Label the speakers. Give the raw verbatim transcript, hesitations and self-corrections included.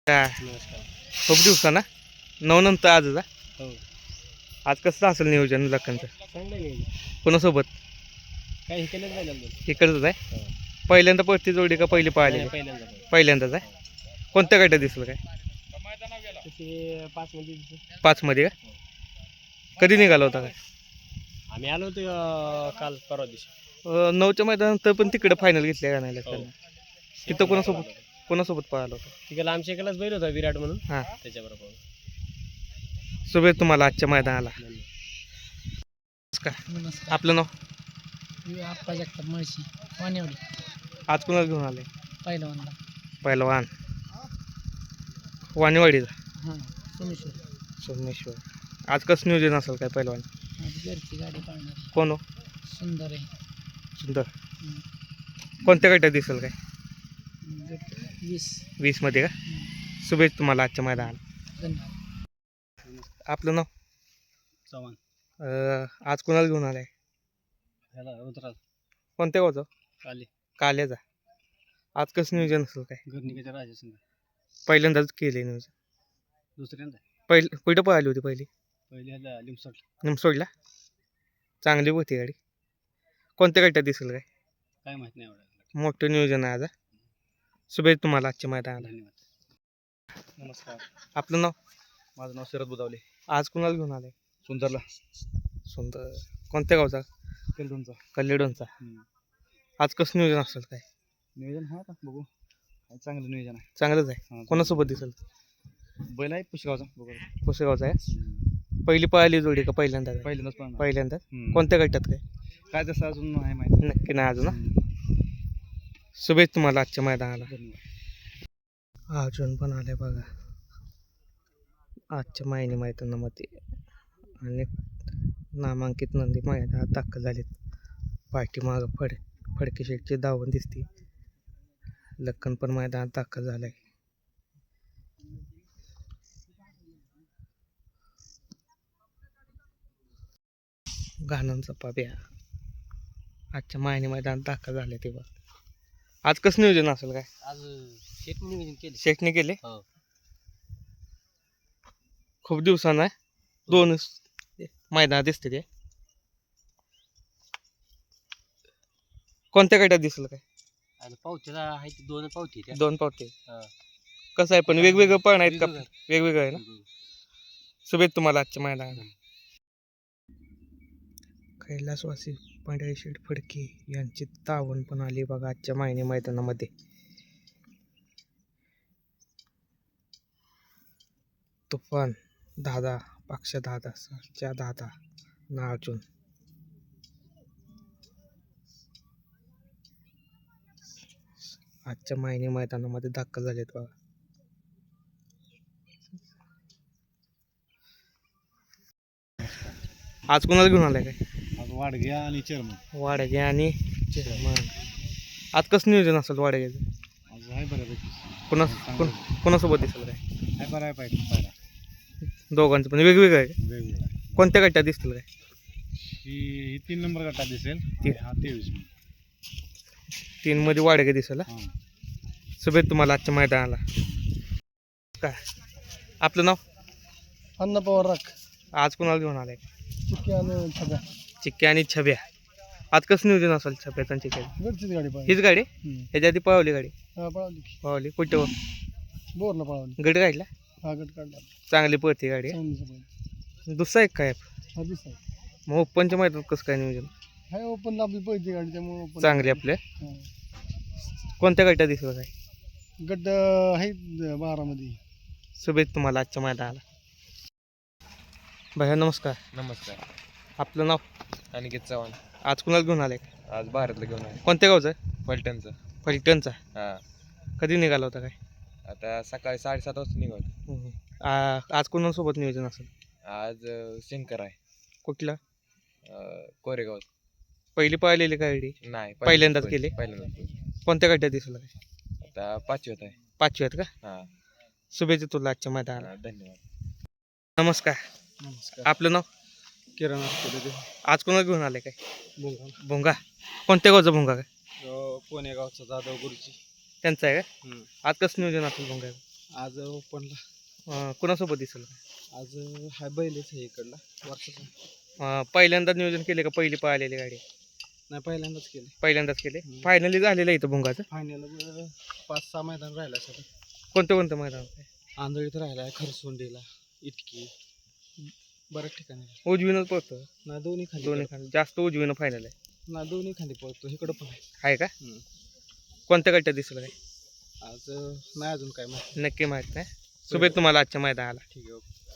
Speaker 1: काय
Speaker 2: नमस्कार.
Speaker 1: खूप दिवसाना नऊ नंतर आजच हा?
Speaker 2: हो
Speaker 1: आज कसं असेल नियोजन लखनचं
Speaker 2: चांगलं नाही
Speaker 1: कोणासोबत
Speaker 2: काय हे केलं पाहिजे अजून.
Speaker 1: इकडचंच आहे
Speaker 2: हो.
Speaker 1: पहिल्यांदा पळती जोडी का पहिली पाहिली
Speaker 2: नाही, पहिल्यांदा पाहिजे.
Speaker 1: पहिल्यांदाच आहे कोणत्या गटात दिसलं काय
Speaker 2: तसे पाच मध्ये दिसले.
Speaker 1: पाचमध्ये का कधी निघाला होता काय
Speaker 2: आम्ही आलो होतो अं, काल परवा दिवशी.
Speaker 1: अं, नऊच्या मैदानानंतर पण तिकडे फायनल घेतल्या का नाही
Speaker 2: हो.
Speaker 1: लखननं? तिथं कोणासोबत कोणासोबत पळाला होता
Speaker 2: तिकडे आमच्या इकडेच बैल होता विराट म्हणून
Speaker 1: हां
Speaker 2: त्याच्याबरोबर.
Speaker 1: शुभेच्छा तुम्हाला आजच्या मैदानाला
Speaker 2: धन्यवाद.
Speaker 1: नमस्कार
Speaker 3: नमस्कार.
Speaker 1: आपलं नाव
Speaker 3: मी आप्पा जगताप मळशी वानेवडी
Speaker 1: आज कुणाला घेऊन आले
Speaker 3: पहिलवानला.
Speaker 1: पहिलवान वाणीवाडीचा
Speaker 3: हां सोमेश्वर.
Speaker 1: सोमेश्वर आज कसं नियोजन असेल काय पहिलवान
Speaker 3: आज घरची गाडी पाळणार
Speaker 1: कोण हो
Speaker 3: सुंदर आहे.
Speaker 1: सुंदर
Speaker 3: हम्म.
Speaker 1: कोणत्या गटात दिसेल काय
Speaker 3: गट वीस.
Speaker 1: वीसमध्ये का
Speaker 3: हम्म.
Speaker 1: शुभेच्छा तुम्हाला आजच्या मैदानाला
Speaker 3: धन्यवाद.
Speaker 1: आपलं नाव
Speaker 2: चव्हाण.
Speaker 1: अं, आज कुणाला घेऊन आलाय
Speaker 2: ह्याला उतरा
Speaker 1: कोणत्या गावचं
Speaker 2: काली
Speaker 1: काल्याचा आज कसं नियोजन असेल काय
Speaker 2: घरनिकाच्या राजा
Speaker 1: पहिल्यांदाच केले नियोजन
Speaker 2: दुसऱ्यांदा
Speaker 1: पहिलं कुठं पळाली होती पहिली
Speaker 2: पहिले ह्याला लिमसट
Speaker 1: निमसोडला चांगली होती गाडी कोणत्या गटात दिसेल काय
Speaker 2: काय माहित नाही एवढं.
Speaker 1: मोठं नियोजन आहे आज हा. शुभेच्छा तुम्हाला आजच्या मैदानाला
Speaker 2: धन्यवाद. नमस्कार.
Speaker 1: आपलं नाव
Speaker 2: माझं नाव शरद बुदावले.
Speaker 1: आज कुणाला घेऊन आलाय
Speaker 2: सुंदरला
Speaker 1: सुंदर कोणत्या गावचा
Speaker 2: केलदोनचा.
Speaker 1: कल्लेडोनचा आज कसं नियोजन असेल काय
Speaker 2: नियोजन हा का बघू काय चांगलं नियोजन आहे.
Speaker 1: चांगलंच आहे
Speaker 2: हां,
Speaker 1: कोणासोबत दिसेल
Speaker 2: बैल आहे पुष्गावचा बघू.
Speaker 1: पुसेगावचा आहे पहिली पळाली जोडी का पहिल्यांदा
Speaker 2: पहिल्यांदाच पण
Speaker 1: पहिल्यांदाच
Speaker 2: हम्म.
Speaker 1: कोणत्या गटात काय
Speaker 2: काय तसं अजून नाही माहिती.
Speaker 1: नक्की नाही अजून हा. शुभेच्छा तुम्हाला आजच्या मैदानाला
Speaker 2: धन्यवाद.
Speaker 1: अर्जुन पण आले बघा आजच्या मायने मैदानामध्ये आणि नामांकित नंदी मैदानात दाखल झालेत पाठीमागं फड फडके शेटची धावून दिसते लक्कन पण मैदानात दाखल झालाय घाणंचा पाब्या आजच्या मायने मैदानात दाखल झाले ते बघ आज कसं नियोजन असेल काय
Speaker 2: आज शेट नियोजन केले.
Speaker 1: शेटने केले
Speaker 2: हो.
Speaker 1: खूप दिवसानं आहे दोन मैदानात दिसते ते कोणत्या गटात दिसेल काय
Speaker 2: आणि पावतीला आहे ते दोन पावती त्या.
Speaker 1: दोन पावते
Speaker 2: हा.
Speaker 1: कसं आहे पण वेगवेगळं पण आहेत का
Speaker 2: वेगवेगळं.
Speaker 1: वेगवेगळं आहे ना शुभेच्छा तुम्हाला आजच्या मैदानाला कैलासवासी पांढरे शेठ फडके यांची तावण पण आली बघा आजच्या मायने मैदानामध्ये तुफान दादा पक्ष दादा सरच्या दादा नार्जुन आजच्या मायने मैदानामध्ये दाखल झालेत बघा आज कोणाला घेऊन आलाय काय
Speaker 2: आज वाडग्या आणि चेअरमन.
Speaker 1: वाडगे आणि चेअरमन आज कसं नियोजन असेल वाडग्याचं
Speaker 2: आज आहे बऱ्यापैकी.
Speaker 1: कोणा कोण कोणासोबत दिसेल काय
Speaker 2: आहे बरं आहे पाहिजे पाहिला
Speaker 1: दोघांचं पण वेगवेगळं आहे का?
Speaker 2: वेगवेगळा.
Speaker 1: कोणत्या गटात दिसतील काय
Speaker 2: ही ही तीन नंबर गटात दिसेल.
Speaker 1: ती-
Speaker 2: हा तेवीस.
Speaker 1: तीन मध्ये वाडगे दिसेल हा?
Speaker 2: हां.
Speaker 1: शुभेच्छा तुम्हाला आजच्या मैदानाला काय आपलं नाव
Speaker 3: अन्न पवार राख.
Speaker 1: आज कोणाला घेऊन आलाय
Speaker 3: चिक्की आणि छब्या.
Speaker 1: चिक्के आणि छब्या आज कसं नियोजन असेल छब्याचं आणि चिक्क्याचं
Speaker 3: घरचीच गाडी पाहिजे.
Speaker 1: हीच गाडी ह्याच्या आधी पळवली गाडी
Speaker 3: हा पळवली की.
Speaker 1: पळवली कुठं
Speaker 3: बोरला पळवली.
Speaker 1: गड काढला
Speaker 3: हा गट काढला.
Speaker 1: चांगली पळते गाडी
Speaker 3: चांगलीच पाहिजे.
Speaker 1: दुसरा एक काय
Speaker 3: हा दिसा.
Speaker 1: मग ओपनच्या मैदानात कसं काय नियोजन
Speaker 3: हाय ओपनला आपली पहिली गाडी त्यामुळे ओपन.
Speaker 1: चांगली आपल्या
Speaker 3: हा.
Speaker 1: कोणत्या गटात दिसलं काय
Speaker 3: गट आहेत बारामध्ये.
Speaker 1: शुभेच्छा तुम्हाला आजच्या मैदानाला भैया नमस्कार
Speaker 2: नमस्कार.
Speaker 1: आपलं नाव
Speaker 2: अनिकेत चव्हाण.
Speaker 1: आज कुणाला घेऊन आलाय
Speaker 2: आज भारतला घेऊन आहे
Speaker 1: कोणत्या गावचं
Speaker 2: पलटणचं.
Speaker 1: फलटणचा
Speaker 2: हां.
Speaker 1: कधी निघाला होता काय
Speaker 2: आता सकाळी साडेसात वाजता निघाल.
Speaker 1: हम्म. आ- आज कोणासोबत नियोजन असेल
Speaker 2: आज अं, शंकर आहे
Speaker 1: कुठला
Speaker 2: अं, कोरेगाव.
Speaker 1: पहिली पळालेली गाडी
Speaker 2: नाही
Speaker 1: पहिल्यांदाच केली?
Speaker 2: पहिल्यांदाच.
Speaker 1: कोणत्या गटात दिसलं काय
Speaker 2: आता पाचवीत आहे.
Speaker 1: पाचवी आहेत का
Speaker 2: हां.
Speaker 1: शुभेच्छा तुला आजच्या मैदानाला
Speaker 2: हां, धन्यवाद.
Speaker 1: नमस्कार
Speaker 3: नमस्कार.
Speaker 1: आपलं नाव
Speaker 3: किराणा
Speaker 1: आज कोणाला घेऊन आले काय
Speaker 3: बोंगा.
Speaker 1: भोंगा कोणत्या गावचा भोंगा काय
Speaker 3: पुणे गावचा जाधव गुरुची.
Speaker 1: त्यांचा आहे का आज कसं नियोजन असेल भोंगा
Speaker 3: आज ओपनला
Speaker 1: अं, कुणासोबत दिसेल
Speaker 3: आज हा बैलच आहे इकडला वर्षाचा.
Speaker 1: अं, पहिल्यांदाच नियोजन केले का पहिली पळालेली गाडी
Speaker 3: नाही पहिल्यांदाच केले.
Speaker 1: पहिल्यांदाच केले
Speaker 3: हम्म.
Speaker 1: फायनली झालेलं आहे इथं भुंगाचं
Speaker 3: फायनल पाच सहा मैदान राहिला सर.
Speaker 1: कोणतं कोणतं मैदान
Speaker 3: आंधळीत राहिला आहे, खरसुंडीला, इटकी, बऱ्याच ठिकाणी.
Speaker 1: उजवीनच पळतो
Speaker 3: ना दोन्ही खाली
Speaker 1: दोन्ही खाली जास्त उजवीनं फायनल आहे
Speaker 3: ना दोन्ही खाली पळतो इकडं पण आहे.
Speaker 1: आहे का
Speaker 3: हम्म.
Speaker 1: कोणत्या गट्ट्यात दिसलं काय
Speaker 3: आज नाही अजून काय माहिती.
Speaker 1: नक्की माहित नाही शुभेच्छा तुम्हाला आजच्या मैदानाला
Speaker 3: ठीक आहे ओके.